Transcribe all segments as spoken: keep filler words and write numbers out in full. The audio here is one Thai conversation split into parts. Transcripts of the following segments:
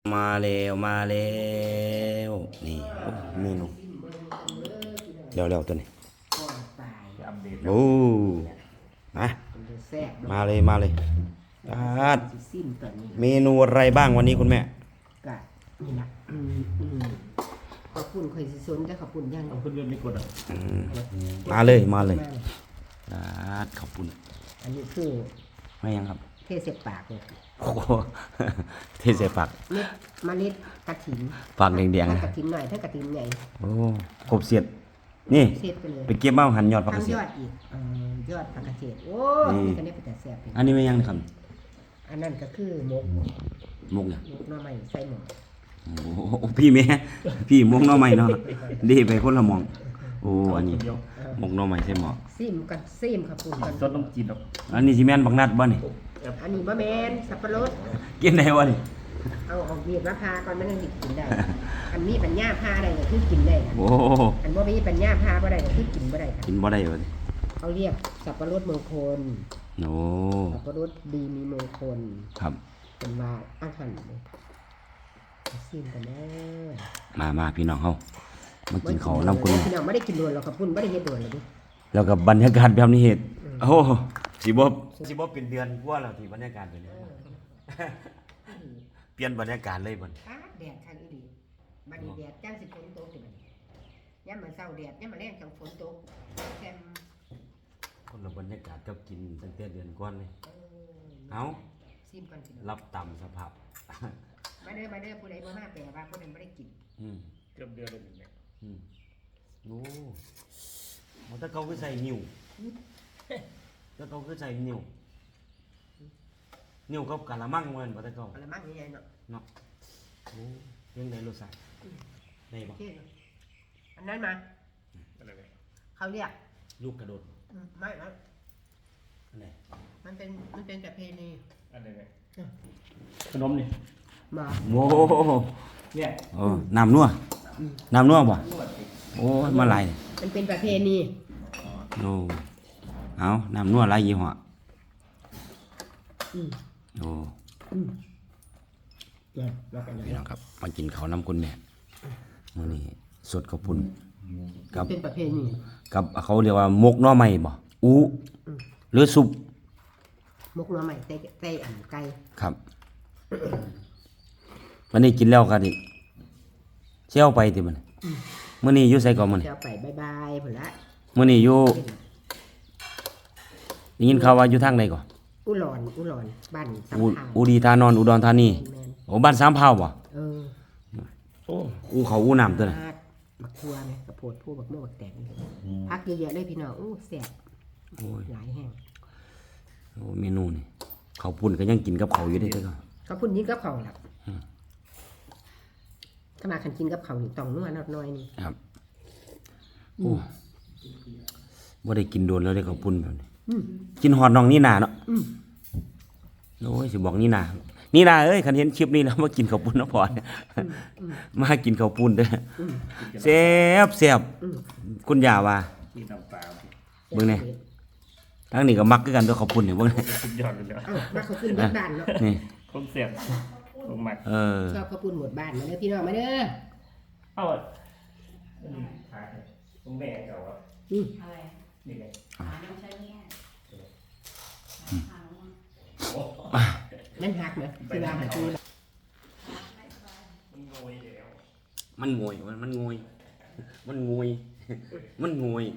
มาแล้วมาแล้วนี่โอ้เมนูเร็วเร็วตัวนี้โอ้มามาเลยมาเลยอาดเมนูอะไรบ้างวันนี้คุณแม่กะนี่ละขอบคุณคอยสิสนแต่ขอบคุณยังขอบคุณเรื่องนี้กดอ่ะมาเลยมาเลยอาดขอบคุณอันนี้คือไม่ยังครับเทเสปากเลยโอ้เทเสปากเม็ดเมล็ดกระถิ่นปากแดงๆกระถิ่นหน่อยถ้ากระถิ่นใหญ่โอ้ครบเสียดนี่ไปเลยไปเก็บมาหันยอดผักกระเสียดยอดอีกยอดผักกระเสียดโอ้นี่ก็ได้ไปแต่แซ่บอันนี้ไม่ยังครับอันนั้นก็คือมกมกเนี่ยมกหน่อไม้ใส่หม้อโอ้พี่แม่พี่มกหน่อไม้เนาะดีไปคนละมองโอ้อันนี้มกหน่อไม้ใส่หม้อซิมกันซิมครับคุณกันต้นต้องจีนหรอกอันนี้สิแม่นบักนัดบ่นี่อันนี้บะแมนสับปะรดกินได้วะนี่เอาออกเบียดมะพร้าวก่อนมันยังกินได้อันนี้ปัญญาพาได้ก็คือกินได้โอ้อันบ่มีปัญญาพาบ่ได้ก็คือกินบ่ได้กินบ่ได้วะเขาเรียกสับปะรดมงคลโอ้สับปะรดดีมีมงคลครับเป็นว่าอาหารเลยซิมกันแน่มามาพี่น้องเฮามากินข้าวน้ำคุณพี่น้องไม่ได้กินด่วนหรอกครับคุณไม่ได้เฮ็ดด่วนเลยดิแล้วกับบรรยากาศแบบนี้เฮ็ดโอ้สิบ่สิบ่เป็นเดือนกว่าแล้วที่บรรยากาศเป็นเปลี่ยนบรรยากาศเลยบัดแดดคันอีหลีบัดนี้แดดจังสิฝนตกสิบัดนี้ยามมื้อเช้าแดดยามมื้อแลงจังฝนตกแซมคนละบรรยากาศกับกินตั้งแต่เดือนก่อนเลยเอ้าซิมกันพี่น้องรับตามสภาพมาเด้อมาเด้อผู้ใดบ่มาแปลว่าผู้นั้นบ่ได้กินอืมเกือบเดือนเลยเนี่ยอืมโอ้มันถ้าเขาคือใส่นิ้วถ้าเขาคือใส่นิ้วนิ้วกับกะละมังเหมือนบ่ถ้าเขากะละมังใหญ่ๆเนาะเนาะโอ้ยังได้รสชาติได้บ่อันนั้นมาอะไรเนี่ยเขาเรียกลูกกระโดดไม่ครับอันไหนมันเป็นมันเป็นประเพณีอันไหนเนี่ยขนมนี่มาโอ้เนี่ยเออน้ำนัวน้ำนัวบ่โอ้มาหลายมันเป็นประเพณีโอ้เอาน้ำนัวหลายยี่ห้อโอ้พี่น้องครับมากินข้าวน้ำคุณแม่มื้อนี้สดข้าวปุ้นกับเป็นประเพณีกับเขาเรียกว่ามกหน่อไม้บ่อูหรือซุปมกหน่อไม้ใส่ใส่อันไก่ครับวันนี้กินแล้วกันดิเชี่ยวไปติมันมื้อนี้อยู่ไสก่อนมื้อนี้เชี่ยวไปบายๆพุ่นละมื้อนี้อยู่ได้ยินข่าวว่าอยู่ทางใดก่อนอุหลอนอุหลอนบ้านสามพาวอุดีธานอนอุดรธานีโอ้บ้านสามพาวบ่เออโอ้อูเขาอูน้ำตัวน่ะบักทัวไงกระโพดผู้บักโม่บักแตงพักเยอะๆเลยพี่น้องอู้แซ่บโอ้ยหลายแห้งโอ้เมนูนี่ข้าวปุ้นก็ยังกินกับข้าวอยู่ได้เด้อครับข้าวปุ้นยิ่งกับข้าวล่ะถ้ามาคันกินกับข้าวนี่ต้องนัวน้อยนี่ครับโอ้บ่ได้กินโดนแล้วได้ข้าวปุ้นแบบนี้กินฮอดน้องนี่นาเนาะโอ้ยสิบอกนี่นานี่นาเอ้ยคันเห็นคลิปนี้แล้วมากินข้าวปุ้นเนาะพอมากินข้าวปุ้นเด้อแซ่บแซ่บคุณย่าว่าเบิ่งแน่ทั้งนี้ก็มักคือกันตัวข้าวปุ้นนี่เบิ่งแน่สุดยอดเลยเอ้ามาเขาขึ้นบ้านเนาะนี่คงเสียบคงมักเออชอบข้าวปุ้นหมดบ้านมาเด้อพี่น้องมาเด้อเอ้าผมแม่เก่าอ่ะอืออะไรนี่ไงนั่นหักนะคือว่าหาคือมันงวยมันมันงวยมันงวยมันงวย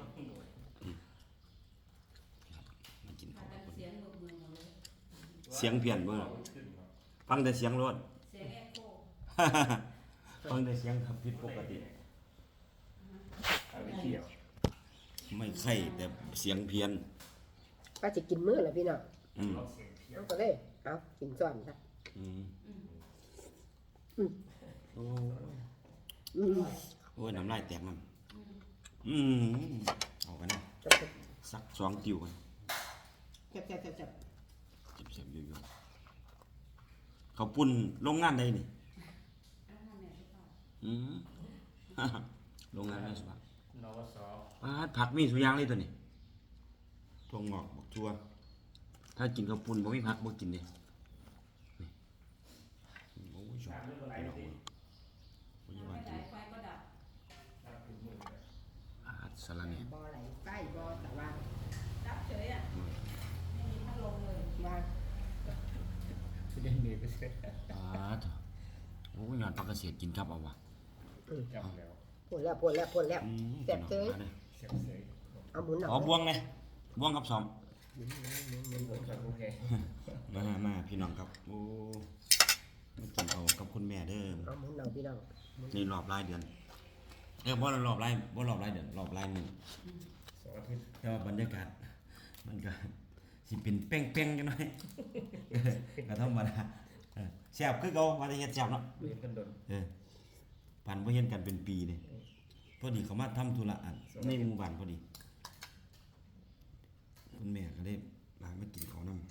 เสียงเพี้ยนเบิ่งฟังแต่เสียงรถฟังแต่เสียงครับผิดปกติไม่ไข่แต่เสียงเพี้ยนป้าจะกินมื้อแล้วพี่น้องอืมเอาก็เลยเอากินซ้อนซะอืมอืมโอ้อืมโอ้ยน้ำลายแตกมันอืมเอากันนะสักสองติ้วกันจับจับจับจับจับจับเยอะๆเขาปุ่นโรงงานใดนี่อืมโรงงานแม่สุภาพนวสผักมีสุยางเลยตัวนี้ถั่วงอกบักทั่วถ้ากินข้าวปุ้นบ่มีผักบ่กินเด้นี่โอ้ยชอบพี่น้องไปเสร็จอ่าเถอะโอ้ยยอดผักกระเสียดกินครับเอาวะจำแล้วพูดแล้วพูดแล้วพูดแล้วอืมแซ่บเจ้ยมาด้อเสียบเสยเอาหมุนหน่อยอ๋อบวงไงบวงกับสอมมันผมขัดโอเคมามาพี่น้องครับโอ้มากินเอากับคุณแม่เด้อเอาหมุนหน่อยพี่น้องนี่รอบรายเดือนเออบ่รอบรายบ่รอบรายเดือนรอบรายหนึ่งสองอาทิตย์แต่ว่าบรรยากาศมันก็สิเป็นเป้งๆจังหน่อย ก็ธรรมดาเออแซ่บคือเก่าว่าแต่เฮ็ดแซ่บเนาะเรียนกันโดนเออปันบ่เห็นกันเป็นปีนี่พอดีเขามาทำธุระอันในหมู่บ้านพอดีคุณแม่ก็ได้มามากินข้าวนำ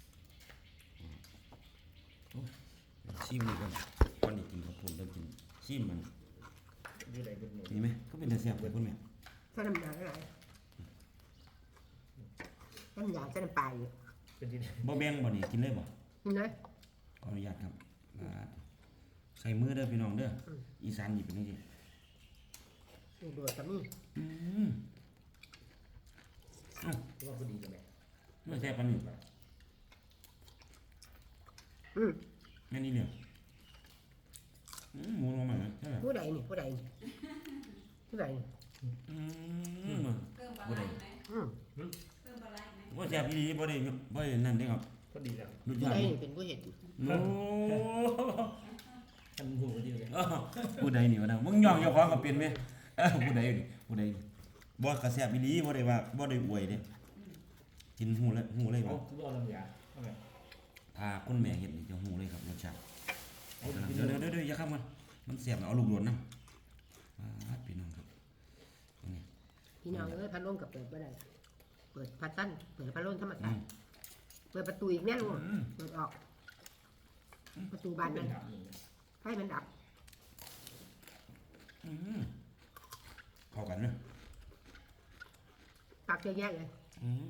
โอ้ยชิมนี่ก่อนก่อนนี่กินข้าวปุ้นแล้วกินชิมมันอยู่ไหนเป็นหนูนี่ไหมก็เป็นแต่แซ่บเลยคุณแม่ใส่น้ำยาอะไรน้ำยาใส่น้ำปลาอยู่เป็นที่ไหนบ่แบ่งบ่นี่กินเลยบ่นี่นะขออนุญาตครับอ่าใส่มือเด้อพี่น้องเด้อออีสานนี่เป็นจังซี่นี่โดดกับนี่อืมเอ้าว่าพอดีกันไหมเมื่อแซ่บปานนี้อืมแม่นี่เหลืออืมหมูลงมาแล้วใช่ไหมผู้ใดนี่ผู้ใดนี่ผู้ใดนี่อืมเพิ่มปลาบ่ไหลได้ไหมอืมเพิ่มปลาไหลไหมบ่แซ่บอีหลีบ่ได้บ่ได้นั่นเด้ครับพอดีแล้วรสผู้ชาใดตินี่เป็นผู้เห็นโอ้ทำหูพอดีเลยอ้าวผู้ใดนี่วะนะมึงย่องเจ้าของก็เป็นแม่เอ้าผู้ใดนี่ผู้ใดนี่บ่ก็แซ่บอีหลีบ่ได้ว่าบ่ได้อวยเด้กินหูเลยหูเลยเอาว่าคือเอาลำยาเอาไงถ้าคุณแม่เฮ็ดนี่จะหูเลยครับรสชาติเดี๋ยวเดี๋ยวเดี๋ยวเดี๋ยวอย่าข้ามมันมันแซ่บนะเอาลูกโดดนำอ่าพี่น้องครับนี่พี่น้องเอ้ยพัดลมกับเปิดบ่ได้เปิดพัดตั้นเปิดพัดลมธรรมอืชาติมเปิดประตูอีกแน่ลูกอืมเปิดออก ประตูบานเป็นั้น นถามหนึ่งให้มันดับอืมเข้ากันเนาะตักเยอะแยะเลยอืม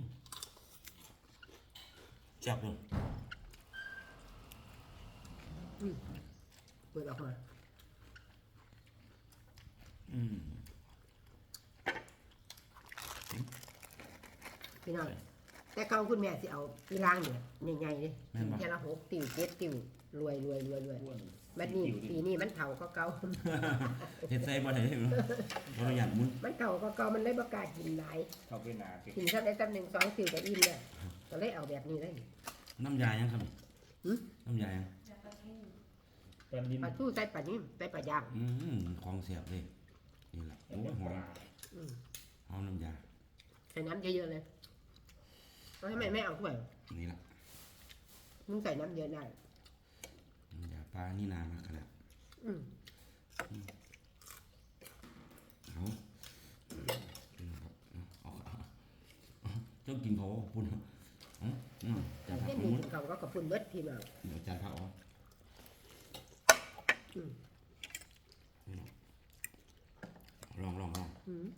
แซ่บเลยเปิดออกมาอืมพี่น้องแต่เก่าคุณแม่สิเอาอีรางเนี่ยใหญ่ๆเลยกินแค่ละหกติ่วเจ็ดติ่วรวยรวยรวยรวยบัดนี้ปีนี้มันเฒ่าก็เก่าเฮ็ดใส่บ่ได้เนาะบ่ต้องหยัดมุนมันเก่าก็เก่ามันเลยบ่กล้ากินหลายเข้าไปหนาติดกินสักได้สักหนึ่งสองติ่วก็อิ่มแล้วก็เลยเอาแบบนี้เลยน้ำยายังครับหืมน้ำยายังจะปลาทูตอนดินปลาทูใส่ปลานิ่มใส่ปลาย่างอืมของเสียบเลยนี่แหละโอ้ยหอมอืมหอมน้ำยาใส่น้ำเยอะๆเลยแล้วทำไมไม่เอาถ้วยนี่แหละมึงใส่น้ำเยอะได้น้ำยาปลานี่นามากขนาดอืมเอานี่นะครับเอาเอาเอาเจ้ากินเขาปุ่นเอาอืมจานผักเช่นมุนี้นเขาก็กระพุนเบิดพี่น้องเดี๋ยวจานผักเอาอืมลองลองลองอืม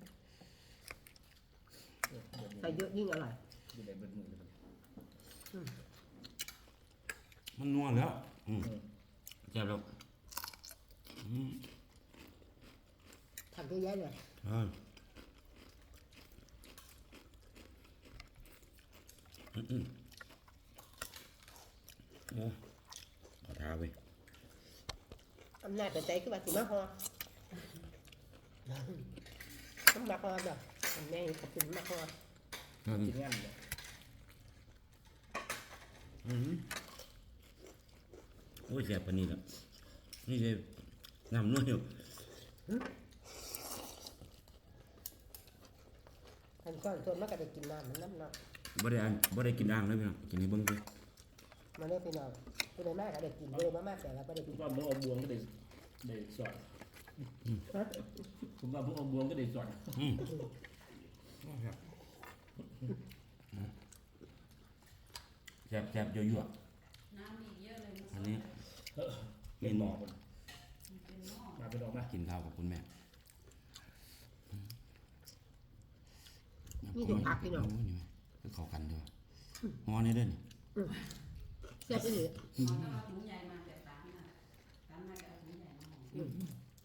ใส่เยอะยิ่งอร่อยอยู่ไหนเป็นมือเลยมันนัวแล้วอืมแซ่บแล้วอืมทำเยอะแยะเลยเอออืมอืมโอ้ขอท้าไปอำนาจเป็นใจคือว่าสิมาฮอต้องมาฮอแบบแม่ขอบคุณมาฮออืมกินงานเลยอืมโอ้ยแซ่บปานนี้แล้วนี่เลยน้ำนัวอยู่อันก้อนส่วนมันก็ได้กินน้ำมันน้ำเนาะบ่ได้อ่านบ่ได้กินอ่างเลยพี่น้องกินให้เบิ่งเด้อมาเรียกพี่น้องผู้ใดมากก็ได้กินเลยมามากแต่ละก็ได้ผกิมนว่ามึงเอาบวงก็ได้ได้สอนฮะผมว่ามึงเอาบวงก็ได้สอนอืมแซ่บแซ่บยั่วน้ำมีเยอะเลยๆอันนี้เออเป็นหมอคนมันเป็นหม้อมาเป็นออกมากินข้าวกับคุณแม่นี่ถูกพักพี่น้องโอ้ยนี่แม่คือเข้ากันเด้อฮอนี่เด้อนี่เสียบไปเลยเอาถ้าเอาถุงใหญ่มาแต่สามน่ะสามน่าจะเอาถุงใหญ่มาห่อ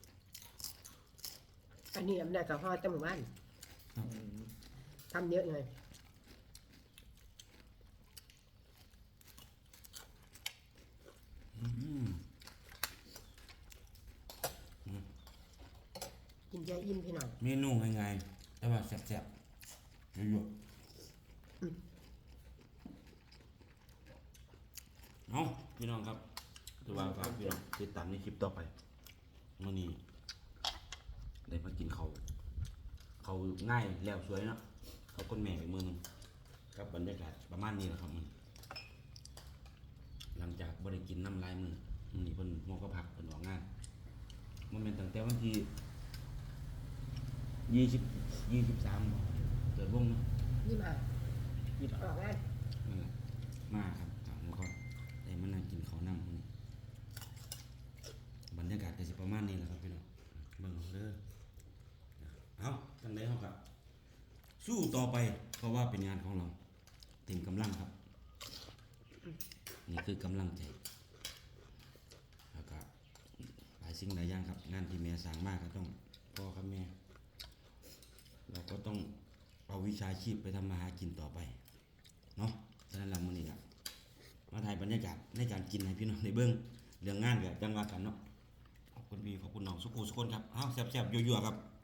อันนี้อำนาจกับฮอจมูกบ้านทำเยอะเลยอนใจอิ่มพี่น้องเมนูง่ายๆแต่ว่าแซ่บๆเยอะๆเอาพี่น้องครับถือว่าฝากพี่น้องติดตามในคลิปต่อไปมื้อนี้ได้มากินเขาวเขาวง่ายแล้วสวยเนาะเขาคนแม่ไปมือหนึงกับบรรยากาศประมาณนี้แหละครับมันหลังจากบ่ได้กินน้ำลายมือมื้อนี้เพิ่นหัวก็พักเพิ่นออกงานมันเป็นตั้งแต่วันที่ยี่สิบยี่สิบสามเกิดวงเนาะยี่มายี่สิบออกงานนั่นแหละมาครับถามก็ได้มานั่งกินข้าวน้ำมื้อนี้บรรยากาศก็สิประมาณนี้แหละครับพี่น้องเบิ่งเอาเด้อเอาจังได๋เฮาก็สู้ต่อไปเพราะว่าเป็นงานของเราเต็มกำลังครับนี่คือกำลังใจแล้วก็หลายสิ่งหลายอย่างครับงานที่แม่สร้างมากก็ต้องพ่อครับแม่เราก็ต้องเอาวิชาชีพไปทำมาหากินต่อไปเนาะฉะนั้นเรามื้อนี้ครับมาถ่ายบรรยากาศในการกินให้พี่น้องได้เบิ่งเรื่องงานก็จังว่ากันเนาะขอบคุณพี่ขอบคุณน้องสุขุสุคนครับเอ้าแซ่บๆยั่วๆครับ